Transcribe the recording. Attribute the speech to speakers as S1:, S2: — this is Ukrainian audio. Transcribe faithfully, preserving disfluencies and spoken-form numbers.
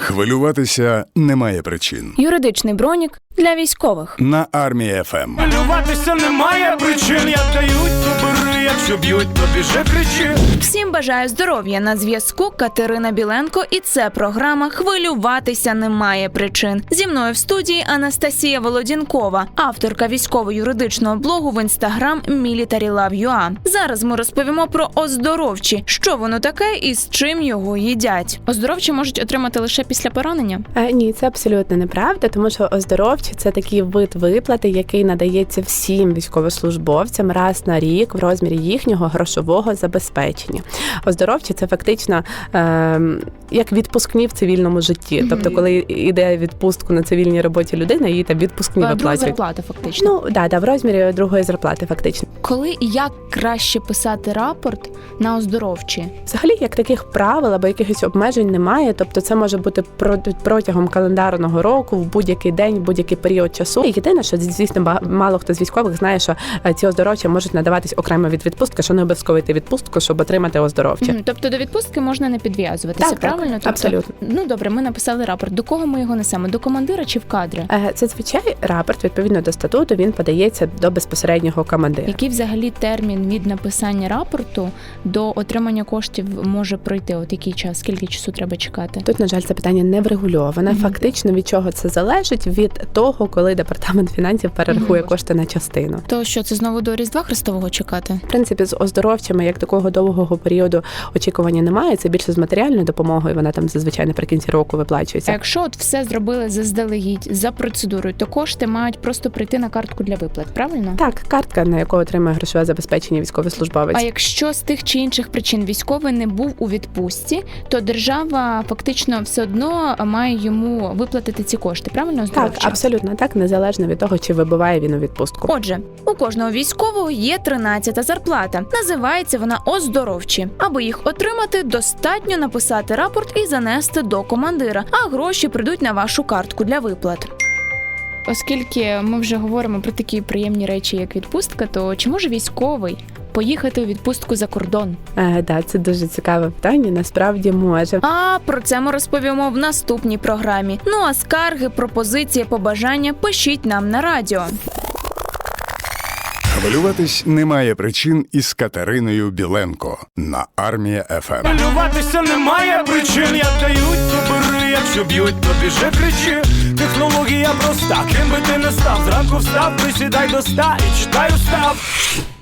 S1: Хвилюватися немає причин.
S2: Юридичний бронік для військових.
S1: На Армії еф ем.
S3: Хвилюватися немає причин, як дають, то бери, якщо б'ють, то біжи, кричи.
S2: Всім бажаю здоров'я. На зв'язку Катерина Біленко, і це програма «Хвилюватися немає причин». Зі мною в студії Анастасія Володінкова, авторка військово-юридичного блогу в інстаграм Military Love ю а. Зараз ми розповімо про оздоровчі, що воно таке і з чим його їдять. Оздоровчі можуть отримати лише після поранення?
S4: Е, ні, це абсолютно неправда, тому що оздоровчі – це такий вид виплати, який надається всім військовослужбовцям раз на рік в розмірі їхнього грошового забезпечення. Оздоровчі – це фактично е, як відпускні в цивільному житті. Mm-hmm. Тобто, коли йде відпустку на цивільній роботі людина, їй там відпускні
S2: а,
S4: виплачують.
S2: Друга зарплата, фактично.
S4: Ну, да, да, в розмірі другої зарплати, фактично.
S2: Коли і як краще писати рапорт на оздоровчі?
S4: Взагалі, як таких правил або якихось обмежень немає, тобто це може бути протягом календарного року, в будь-який день, в будь-який період часу. І єдине, що, звісно, мало хто з військових знає, що ці оздоровчі можуть надаватись окремо від відпустки, що не обов'язково йти відпустку, щоб отримати оздоровчі.
S2: Mm-hmm. Тобто до відпустки можна не підв'язуватися,
S4: так,
S2: правильно?
S4: Так,
S2: тобто,
S4: абсолютно.
S2: Ну, добре, ми написали рапорт. До кого ми його несемо? До командира чи в кадри?
S4: Це, звичай, рапорт, відповідно до статуту, він подається до безпосереднього командира.
S2: Який взагалі термін від написання рапорту до отримання коштів може пройти? От який час? Скільки часу треба чекати?
S4: Тут, на жаль, це питання не врегульоване. Mm-hmm. Фактично, від чого це залежить? Від того, коли департамент фінансів перерахує mm-hmm. кошти на частину.
S2: То що, це знову до Різдва Христового чекати?
S4: В принципі, з оздоровчими, як такого довгого періоду очікування немає, це більше з матеріальною допомогою, вона там зазвичай наприкінці року виплачується.
S2: А якщо от все зробили заздалегідь, за процедурою, то кошти мають просто прийти на картку для виплат, правильно?
S4: Так, картка, на яку отримує грошове забезпечення військовослужбовець.
S2: А якщо з тих чи інших причин військовий не був у відпустці, то держава фактично все одно має йому виплатити ці кошти, правильно?
S4: Так, абсолютно так, незалежно від того, чи вибуває він у відпустку.
S2: Отже, у кожного військового є тринадцята зарплата. Називається вона оздоровчі. Аби їх отримати, достатньо написати рапорт і занести до командира, а гроші прийдуть на вашу картку для виплат. Оскільки ми вже говоримо про такі приємні речі, як відпустка, то чи може військовий поїхати у відпустку за кордон?
S4: Е, да, це дуже цікаве питання, насправді може.
S2: А про це ми розповімо в наступній програмі. Ну а скарги, пропозиції, побажання пишіть нам на радіо.
S1: Хвилюватись немає причин із Катериною Біленко на Армії еф ем.
S3: Хвилюватися немає причин, як дають, то бери, якщо б'ють, то біжи, кричи. Технологія проста, ким би ти не став, зранку встав, присідай до ста і читай устав.